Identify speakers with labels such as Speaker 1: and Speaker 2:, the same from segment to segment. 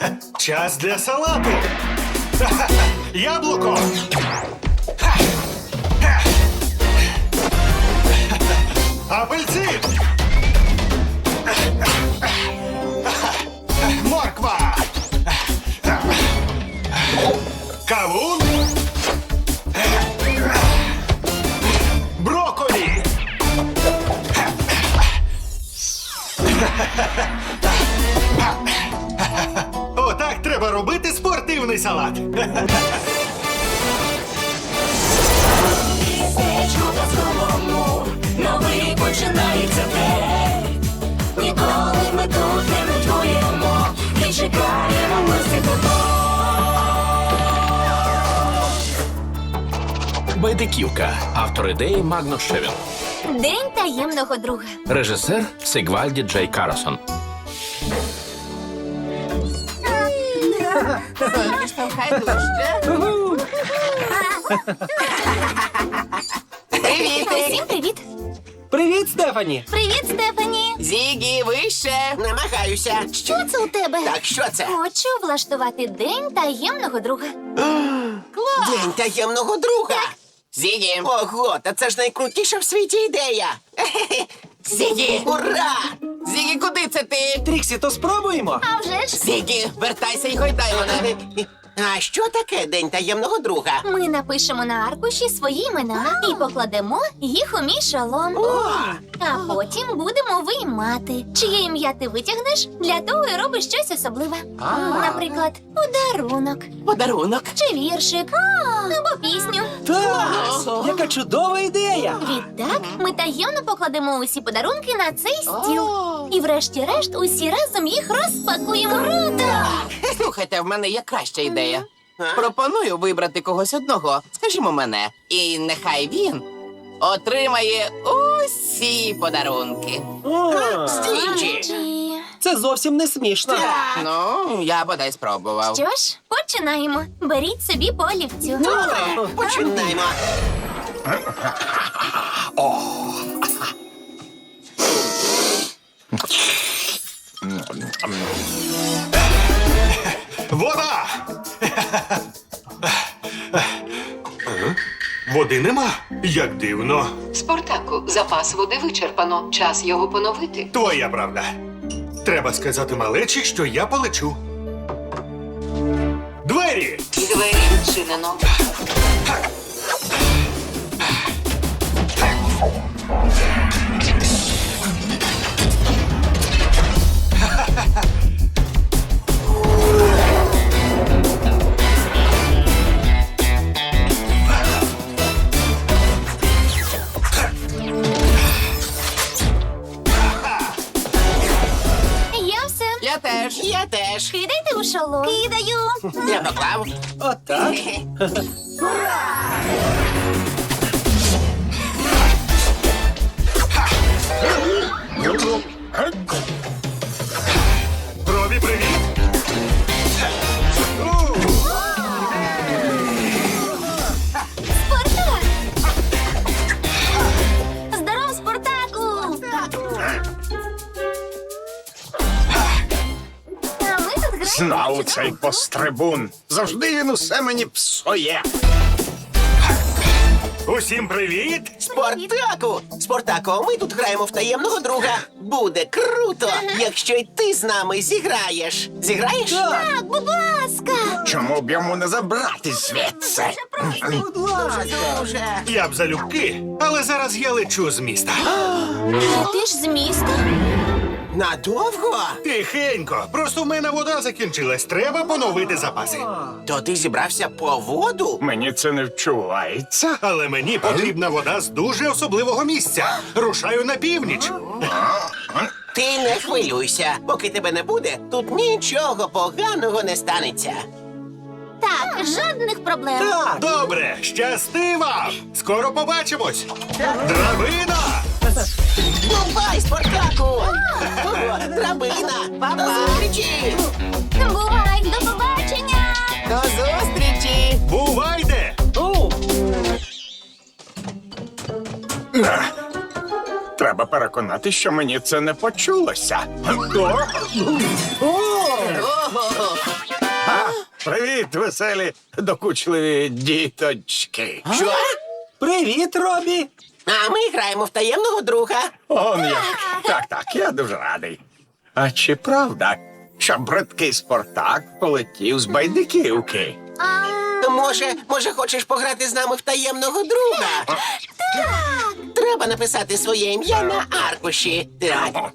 Speaker 1: Час для салату. Яблуко. Апельсин. Морква. Кавун. Брокколі. Отак треба робити спортивний салат.
Speaker 2: Містечко казковому, новий починається день. Ніколи ми тут не нудьгуємо і чекаємо ми всіх додому.
Speaker 3: Байдиківка. Автор ідеї Магнус Шевін.
Speaker 4: День таємного друга.
Speaker 3: Режисер Сигвальді Джей Карсон.
Speaker 4: Усім привіт!
Speaker 5: Привіт, Стефані!
Speaker 4: Привіт, Стефані!
Speaker 6: Зігі, вище! Намагаюся.
Speaker 4: Що це у тебе?
Speaker 6: Так, що це?
Speaker 4: Хочу влаштувати день таємного друга.
Speaker 6: День таємного друга. Зігі. Ого, та це ж найкрутіша в світі ідея. Зігі, ура! Зігі, куди це ти?
Speaker 5: Тріксі, то спробуємо?
Speaker 4: А вже ж,
Speaker 6: Зігі, вертайся і гойдай мене. А що таке День таємного друга?
Speaker 4: ми напишемо на аркуші свої імена і покладемо їх у мій шолом. А потім будемо виймати, чиє ім'я ти витягнеш, для того і робиш щось особливе. Наприклад, подарунок,
Speaker 6: Подарунок.
Speaker 4: чи віршик, або пісню.
Speaker 5: Так! Яка чудова ідея!
Speaker 4: Відтак ми таємно покладемо усі подарунки на цей стіл. І врешті-решт усі разом їх розпакуємо. Круто!
Speaker 6: Слухайте, в мене є краща ідея. Пропоную вибрати когось одного, скажімо мене. І нехай він отримає усі подарунки.
Speaker 4: Чи-
Speaker 5: Це зовсім не смішно.
Speaker 6: Ну, я бодай спробував.
Speaker 4: Що ж, починаємо. Беріть собі по олівцю.
Speaker 6: Добре, починаємо.
Speaker 1: Вода! Води нема? Як дивно.
Speaker 7: Спартаку, запас води вичерпано. Час його поновити.
Speaker 1: Твоя правда. Треба сказати малечі, що я полечу. Двері!
Speaker 7: Двері відчинено.
Speaker 4: Я все.
Speaker 6: Я теж. Я теж.
Speaker 4: Кидайте у шолом. Кидаю.
Speaker 6: Я поклав.
Speaker 5: Отак.
Speaker 1: Робі, привіт!
Speaker 4: Спартак! Здоров, Спартаку! А ми тут граємо.
Speaker 8: Знав цей пострибун. Завжди він усе мені псує.
Speaker 1: Усім привіт!
Speaker 6: Спартаку! Спартаку, ми тут граємо в таємного друга. Буде круто, якщо й ти з нами зіграєш. Зіграєш?
Speaker 4: Так, будь ласка!
Speaker 8: Чому б йому не забрати звідси?
Speaker 6: Дуже.
Speaker 1: Я б залюбки, але зараз я лечу з міста.
Speaker 4: А ти ж з міста?
Speaker 6: Надовго?
Speaker 1: Тихенько, просто в мене вода закінчилась. Треба поновити запаси.
Speaker 6: То ти зібрався по воду?
Speaker 8: Мені це не вчувається.
Speaker 1: Але мені потрібна вода з дуже особливого місця. Рушаю на північ.
Speaker 6: Ти не хвилюйся. Поки тебе не буде, тут нічого поганого не станеться.
Speaker 4: Так, жодних проблем.
Speaker 1: Добре, щасти вам! Скоро побачимось! Драбина!
Speaker 6: Бувай, Спартаку! Драбина! До зустрічі!
Speaker 4: Бувай, до побачення!
Speaker 6: До зустрічі!
Speaker 1: Бувайте!
Speaker 8: Треба переконати, що мені це не почулося. Привіт, веселі, докучливі діточки.
Speaker 5: Що? Привіт, Робі.
Speaker 6: А ми граємо в таємного друга.
Speaker 8: Он як. Так, я дуже радий. А чи правда, що бридкий Спартак полетів з байдиківки?
Speaker 6: Може, хочеш пограти з нами в таємного друга? Так! Треба написати своє ім'я на аркуші. Так.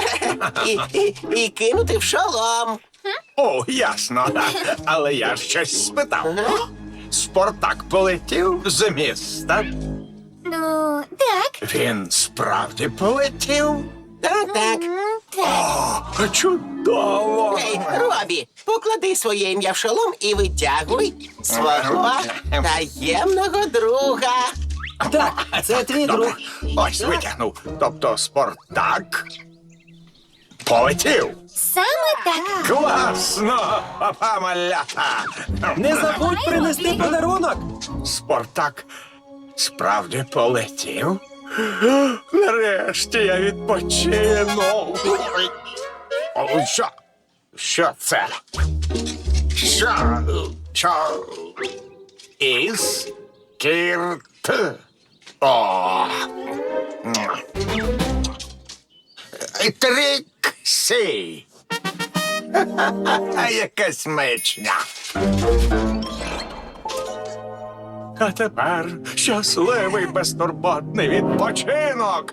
Speaker 6: І кинути в шолом.
Speaker 8: О, ясно. Але я щось спитав. Спартак полетів з міста.
Speaker 4: Ну, так.
Speaker 8: Він справді полетів?
Speaker 6: Так.
Speaker 8: О, чудово!
Speaker 6: Ей, Робі, поклади своє ім'я в шолом і витягуй свого таємного друга.
Speaker 5: Так, це твій друг.
Speaker 8: Ось витягнув. Тобто Спартак полетів.
Speaker 4: Саме так.
Speaker 8: Класно, папа малята.
Speaker 5: Не забудь принести подарунок.
Speaker 8: Спартак справді полетів. Нарешті я відпочину. О, що? Що це? Що? Із кірт. О. Тріксі. Якась мечня. А тепер щасливий безтурботний відпочинок.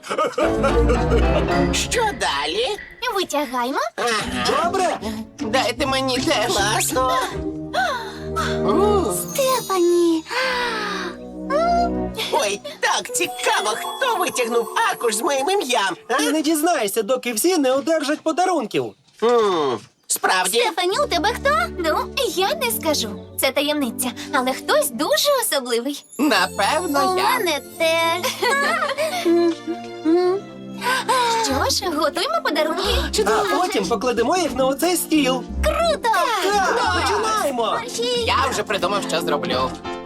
Speaker 6: Що далі?
Speaker 4: Витягаймо.
Speaker 5: Добре?
Speaker 6: Дайте мені теж. Класно.
Speaker 4: Стефані.
Speaker 6: Ой, так цікаво, хто витягнув аркуш з моїм ім'ям.
Speaker 5: Ти не дізнаєшся, доки всі не одержать подарунків.
Speaker 6: Справді?
Speaker 4: Стефані, у тебе хто? Ну, я не скажу. Це таємниця, але хтось дуже особливий.
Speaker 6: Напевно,
Speaker 4: У
Speaker 6: я.
Speaker 4: мене теж. Що ж, готуємо подарунки.
Speaker 5: А потім покладемо їх на оцей стіл.
Speaker 4: Круто!
Speaker 5: Так, починаємо.
Speaker 6: Я вже придумав, що зроблю.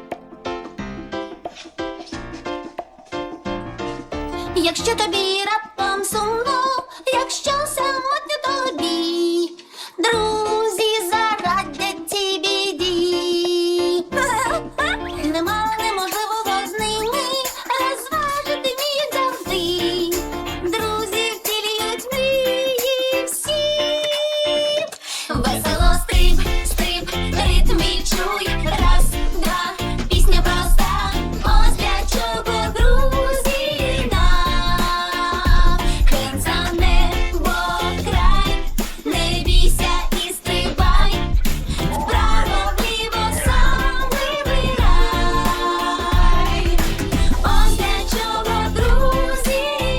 Speaker 4: Якщо тобі раптом сумно, якщо самотньо тобі, друзі зарадять цій біді. Нема неможливого з ними, розважити вміють завжди. Друзі втілюють мрії всі. Весело стрип, стрип, ритм відчуй. Раз, два, пісня проста. Ось для чого друзі нам. Кинь за небо край, не бійся і стрибай. Вправо, вліво сам вибирай. Ось для чого друзі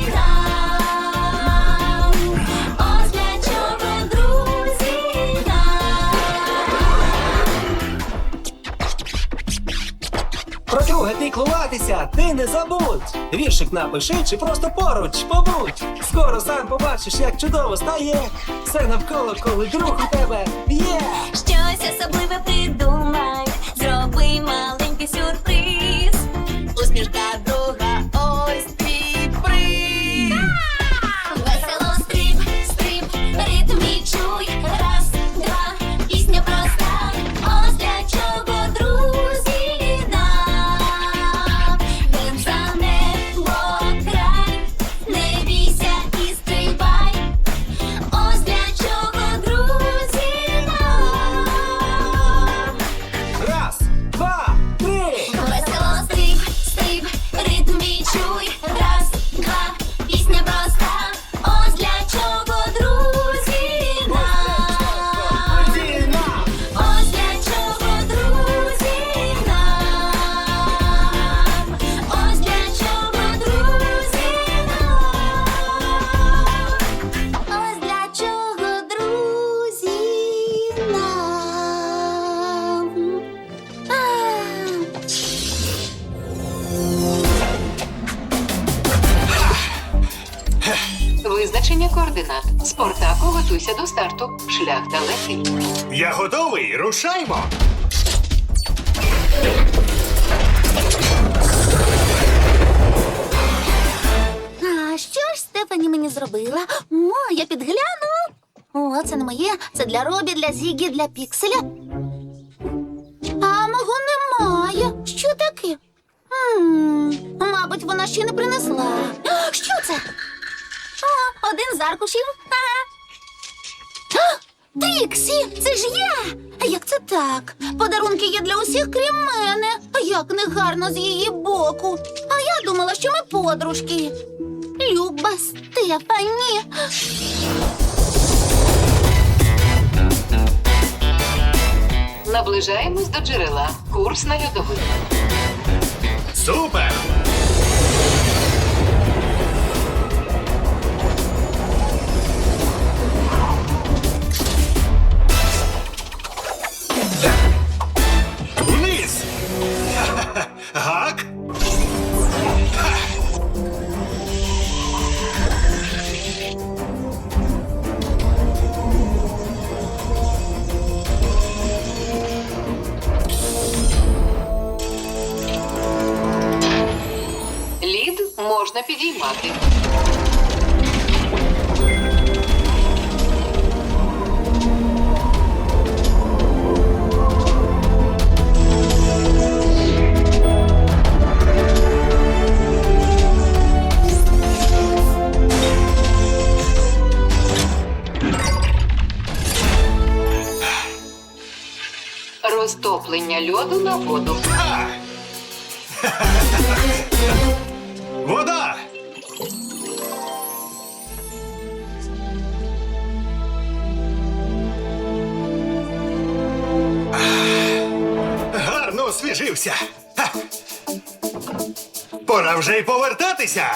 Speaker 4: нам. Ось для чого друзі нам.
Speaker 5: Про друга піклуватися ти не забудь. Віршик напиши чи просто поруч побудь. Скоро сам побачиш, як чудово стає. Все навколо, коли друг у тебе є.
Speaker 4: Щось особливе придумай, зроби маленький сюрприз. Усмішка друга, ось твій приз. Весело стрип, стрип, ритм відчуй. Раз, два, пісня проста. Ось для чого друзі нам. Він за небо край, не бійся і стрибай. Ось для чого друзі нам.
Speaker 5: Раз, два, три.
Speaker 4: Весело стрип, стрип, ритм відчуй. Раз, два, пісня проста. Ось для чого друзі нам. Ось для чого друзі нам. Ось для чого друзі нам. Ось для чого друзі нам.
Speaker 7: Визначення координат. Спартаку, готуйся до старту. Шлях далекий.
Speaker 1: Я готовий, рушаймо.
Speaker 4: А що ж Стефані мені зробила? О, я підгляну. О, це не моє. Це для Робі, для Зігі, для Пікселя. А мого немає. Що таке? Мабуть, вона ще не принесла. Що це? О, один з аркушів. Тріксі, це ж я! Як це так? Подарунки є для усіх, крім мене. Як негарно з її боку. А я думала, що ми подружки. Люба Стефані.
Speaker 7: Наближаємось до джерела. Курс на льодовик.
Speaker 1: Супер! Вниз! Гак!
Speaker 7: Лід можна підіймати. Розтоплення льоду на воду.
Speaker 1: Вода! Гарно освіжився. Ха. Пора вже й повертатися.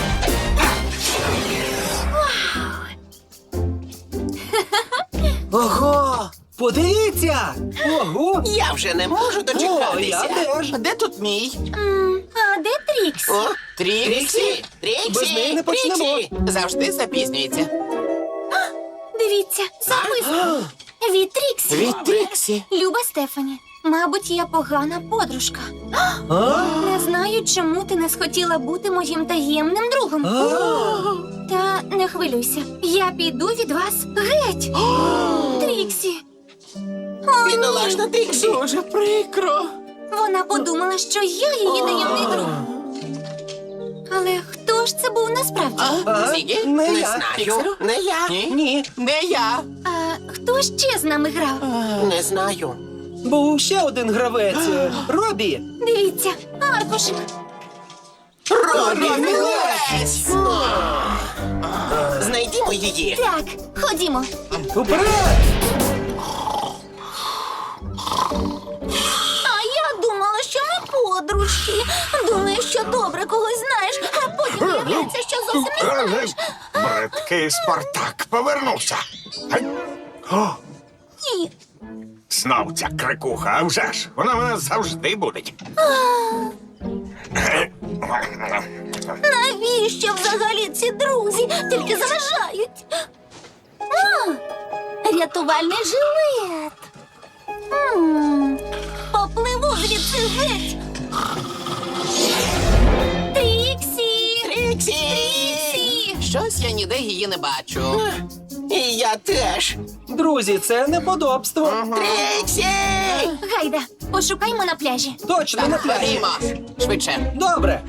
Speaker 5: Ого! Подивіться! Ого!
Speaker 6: Я вже не можу
Speaker 5: О, я
Speaker 6: дочекатися.
Speaker 5: теж.
Speaker 9: Де тут мій?
Speaker 4: А де Тріксі?
Speaker 6: О,
Speaker 9: Тріксі?
Speaker 5: Без неї не почнемо.
Speaker 9: Завжди запізнюється.
Speaker 4: Дивіться, записка. Від Тріксі.
Speaker 9: Від Тріксі.
Speaker 4: Люба Стефані, мабуть, я погана подружка. Не знаю, чому ти не схотіла бути моїм таємним другом. Та не хвилюйся, я піду від вас геть. Тріксі. О, ні.
Speaker 6: бідолашна Тріксі.
Speaker 9: Дуже прикро.
Speaker 4: Вона подумала, що я її таємний друг. Але хто ж це був насправді?
Speaker 9: Зігі?
Speaker 5: Не
Speaker 6: Не
Speaker 5: я.
Speaker 6: знаю,
Speaker 9: Пікселю?
Speaker 6: не я.
Speaker 9: Ні. Не я.
Speaker 4: А хто ще з нами грав?
Speaker 6: Не знаю.
Speaker 5: Був ще один гравець. Робі.
Speaker 4: Дивіться, аркушик.
Speaker 6: Робі,
Speaker 9: Мілець!
Speaker 6: знайдімо її.
Speaker 4: Так, ходімо.
Speaker 5: Уперед!
Speaker 4: А я думала, що ми подружки. Думаю, що добре когось знаєш, а потім виявляється, що зовсім не знаєш.
Speaker 8: Бридкий Спартак повернувся. Гей! О,
Speaker 4: Ні.
Speaker 8: знов ця крикуха, а вже ж, вона в нас завжди буде.
Speaker 4: Навіщо взагалі ці друзі? Тільки заважають. Рятувальний жилет. Попливу звідси геть. Тріксі!
Speaker 6: Тріксі!
Speaker 4: Тріксі!
Speaker 9: Щось я ніде її не бачу.
Speaker 6: І я теж.
Speaker 5: Друзі, це неподобство.
Speaker 6: Тріксі!
Speaker 4: Гайда, пошукаймо на пляжі.
Speaker 5: Точно на пляжі.
Speaker 9: Ходімо. Швидше.
Speaker 5: Добре.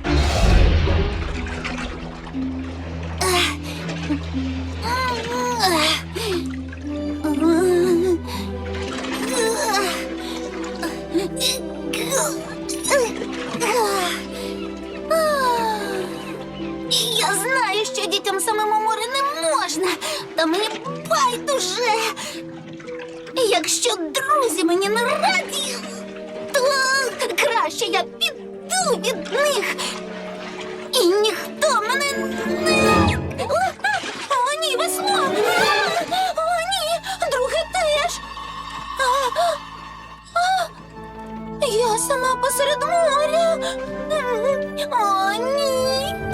Speaker 4: Я знаю, що дітям самим у море не можна, та мені байдуже. Якщо друзі мені не раді, то краще я піду від них. І ніхто мене не... О, ні, весло! О, ні, друге теж! Я сама посеред моря. О, ні.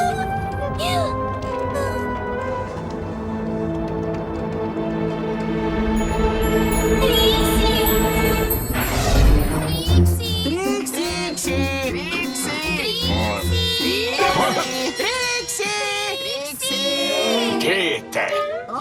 Speaker 5: Тріксі!
Speaker 6: Тріксі!
Speaker 8: Діти,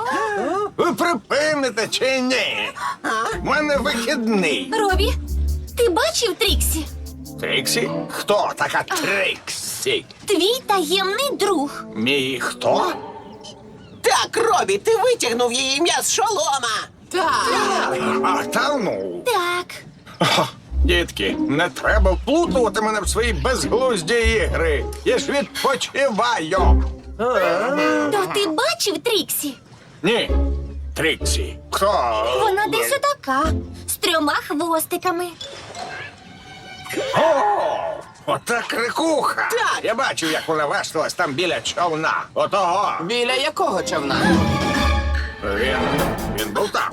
Speaker 8: припините чи ні? У мене вихідний.
Speaker 4: Робі, ти бачив Тріксі?
Speaker 8: Тріксі? Хто така Тріксі?
Speaker 4: Твій таємний друг.
Speaker 8: Мій хто?
Speaker 6: Так, Робі, ти витягнув її ім'я з шолома.
Speaker 9: Так.
Speaker 8: А та ну.
Speaker 4: Так.
Speaker 8: Дітки, не треба вплутувати мене в свої безглузді ігри. Я ж відпочиваю.
Speaker 4: То ти бачив Тріксі?
Speaker 8: Ні, Тріксі. Хто?
Speaker 4: Вона десь отака, з 3 хвостиками.
Speaker 8: О, ота крикуха.
Speaker 6: Так.
Speaker 8: Я бачив, як вона вешталась там біля човна. Отого.
Speaker 9: Біля якого човна?
Speaker 8: Він був там.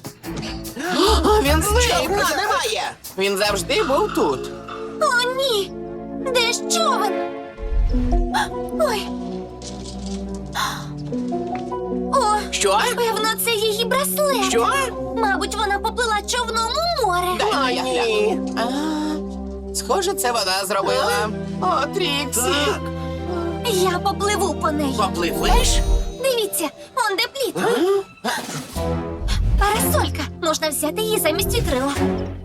Speaker 9: Він зник.
Speaker 6: Човна немає.
Speaker 9: Він завжди був тут.
Speaker 4: О, ні! Де ж човен? Ой. О,
Speaker 6: Що?
Speaker 4: певно, це її браслет.
Speaker 6: Що?
Speaker 4: Мабуть, вона поплила човном у море.
Speaker 9: Дай я
Speaker 6: ні.
Speaker 9: гляну. Схоже, це вона зробила. О, Тріксі.
Speaker 4: Я попливу по неї.
Speaker 6: Попливеш?
Speaker 4: Дивіться, он де плід. Парасолька. Можна взяти її замість вітрила.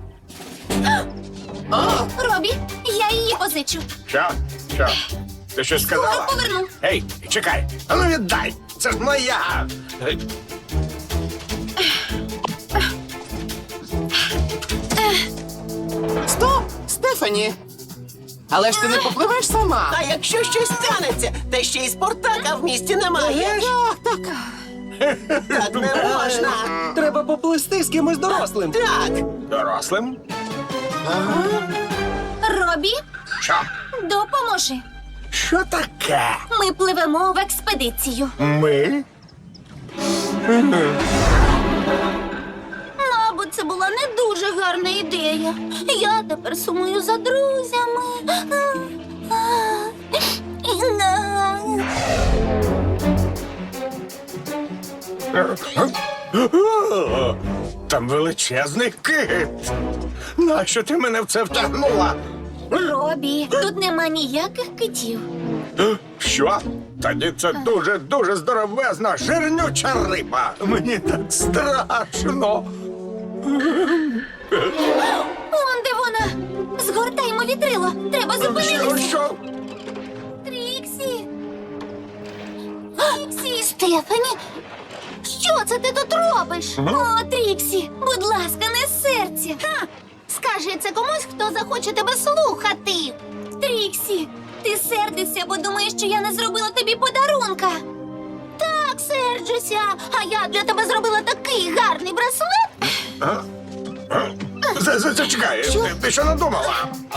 Speaker 4: Робі, я її позичу.
Speaker 8: Що? Що? Ти щось сказала?
Speaker 4: Скоро поверну.
Speaker 8: Ей, чекай. А ну віддай. Це ж моя.
Speaker 9: Стоп, Стефані. Але ж ти не попливеш сама.
Speaker 6: А якщо щось станеться, та ще й Спартака в місті немає.
Speaker 9: Так.
Speaker 6: Так не можна.
Speaker 5: Треба поплисти з кимось дорослим.
Speaker 6: Так.
Speaker 8: Дорослим?
Speaker 4: Робі,
Speaker 8: Що?
Speaker 4: допоможи.
Speaker 8: Що таке?
Speaker 4: Ми пливемо в експедицію.
Speaker 8: Ми?
Speaker 4: Мабуть, це була не дуже гарна ідея. Я тепер сумую за друзями.
Speaker 8: Там величезний кит. Нащо ти мене в це втягнула?
Speaker 4: Робі, тут нема ніяких китів.
Speaker 8: Що? Тоді це дуже здоровезна, жирнюча риба. Мені так страшно.
Speaker 4: Он де вона? Згортаймо вітрило. Треба зупинитися.
Speaker 8: Що?
Speaker 4: Тріксі. Тріксі. Стефані. Що це ти тут робиш? О, Тріксі, будь ласка, не серця. Скажи це комусь, хто захоче тебе слухати. Тріксі, ти сердишся, бо думаєш, що я не зробила тобі подарунка. Так, серджуся. А я для тебе зробила такий гарний браслет.
Speaker 8: Зачекай, ти що надумала?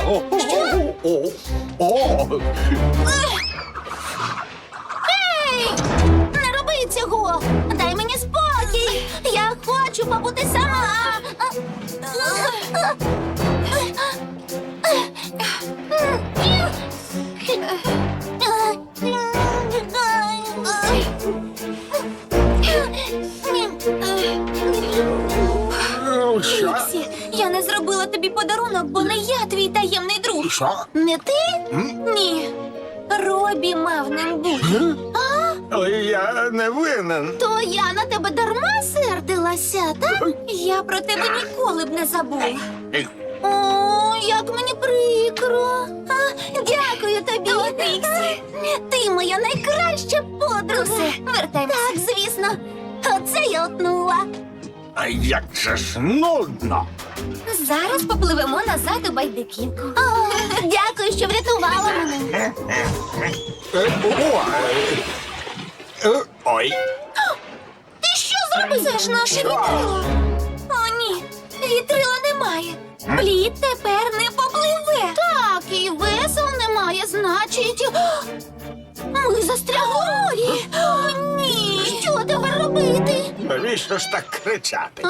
Speaker 4: Ей! Не роби цього! Дай мені спокій! Я хочу побути сама!
Speaker 8: Що?
Speaker 4: Тріксі, я не зробила тобі подарунок, бо не я твій таємний друг.
Speaker 8: Що?
Speaker 4: Не ти? Ні. Робі мав ним бути.
Speaker 8: Але я не винен.
Speaker 4: То я на тебе дарма сердилася, так? Я про тебе ніколи б не забула. О, як мені прикро. Дякую тобі, Тріксі. Ти моя найкраща подруга. Все, вертаймося. Так, звісно. Оце я отнула.
Speaker 8: А як же ж нудно.
Speaker 4: Зараз попливемо назад у байдиківку. Дякую, що врятувала мене.
Speaker 8: Ой.
Speaker 4: Ти що зробив? Це ж наше вітрило. О, ні, вітрила немає. Плід тепер не попливе. Так, і весел немає, значить. Ми застрягли в морі. О, ні. Що тепер робити?
Speaker 8: Навіщо ж так кричати?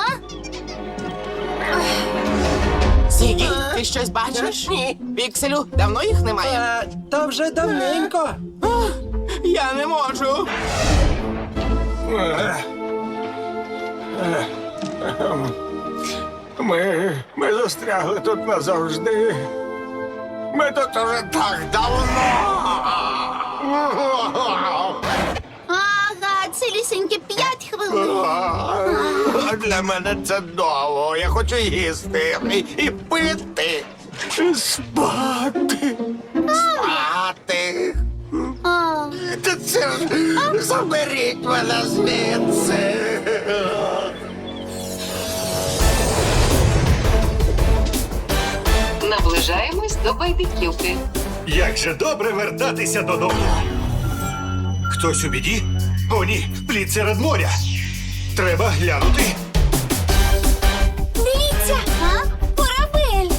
Speaker 9: Зігі, ти щось бачиш?
Speaker 6: Ні.
Speaker 9: Пікселю, давно їх немає.
Speaker 5: Та вже давненько.
Speaker 9: Я не можу.
Speaker 8: Ми застрягли тут назавжди. Ми тут уже так давно.
Speaker 4: Ага, цілісінькі 5 хвилин.
Speaker 8: Для мене це довго. Я хочу їсти і пити. Спати. Спати. Та це ж заберіть мене звідси.
Speaker 7: Наближаємось до байдиківки.
Speaker 1: Як же добре вертатися додому. Хтось у біді? О, ні, плід серед моря. Треба глянути.
Speaker 4: Дивіться! Корабель!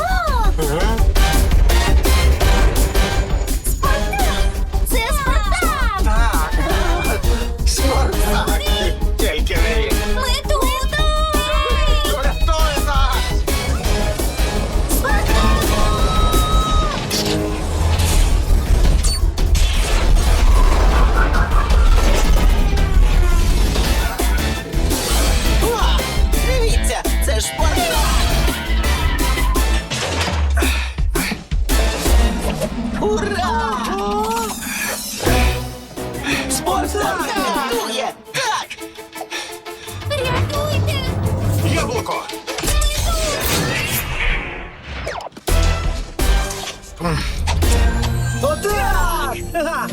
Speaker 4: Спартак! Це Спартак!
Speaker 8: Так. Спартак. Тільки не він.
Speaker 4: Ми тут!
Speaker 8: Рятуй нас!
Speaker 6: О, дивіться, це ж Спартак! Ура! Спартак рятує! Так!
Speaker 4: Рятуйте!
Speaker 1: Яблуко!
Speaker 5: Отак! Ха-ха!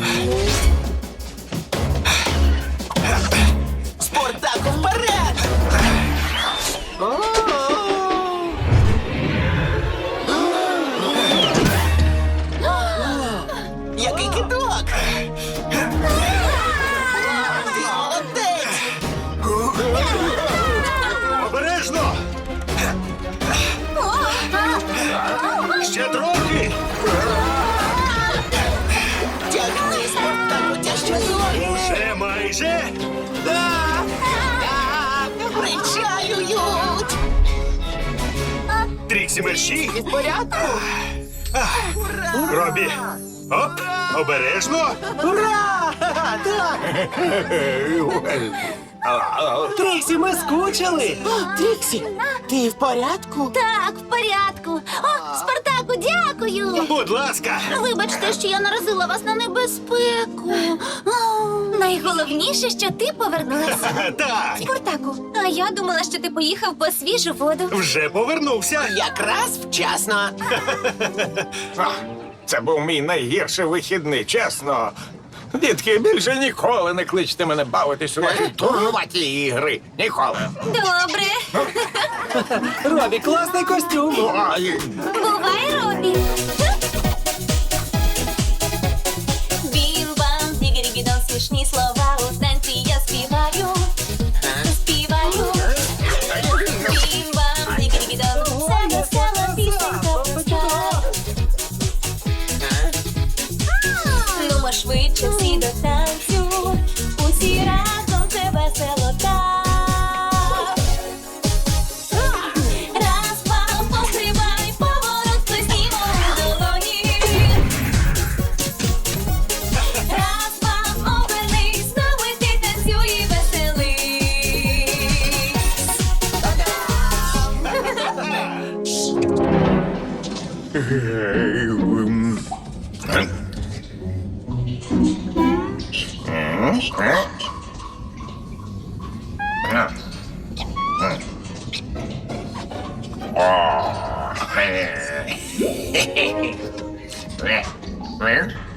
Speaker 6: Спартаку вперед! Який кидок! Ти молодець!
Speaker 1: Обережно! Ще трохи!
Speaker 6: Тягни, Спартаку, тяжче зорі!
Speaker 1: Вже майже!
Speaker 6: Причаюють!
Speaker 1: Тріксі мерщі!
Speaker 9: В порядку?
Speaker 1: Робі! Оп! Обережно!
Speaker 5: Ура! Ха-ха! Так! Тріксі, ми скучили!
Speaker 9: Тріксі, ти в порядку?
Speaker 4: Так, в порядку. О, Спартаку, дякую.
Speaker 1: Будь ласка!
Speaker 4: Вибачте, що я наразила вас на небезпеку. О, найголовніше, що ти повернулася.
Speaker 1: Так!
Speaker 4: Спартаку, а я думала, що ти поїхав по свіжу воду.
Speaker 1: Вже повернувся!
Speaker 6: Якраз вчасно!
Speaker 8: Це був мій найгірший вихідний, чесно. Дітки, більше ніколи не кличте мене бавитись у ваші турнуваті ігри. Ніколи.
Speaker 4: Добре.
Speaker 5: Робі, класний костюм!
Speaker 8: Ой.
Speaker 4: Бувай, Робі. Бім-бам, дігері-гідон, смішні слова у танці я співаю. Співаю. Бім-бам, дігері-гідон, це весела пісенька пуста. Нумо швидше всі до танцю, усі разом це весело так. Раз, два, пострибай, поворот, плеснімо у долоні. Раз, два, обернись, знову ти танцюй і веселись.
Speaker 8: О,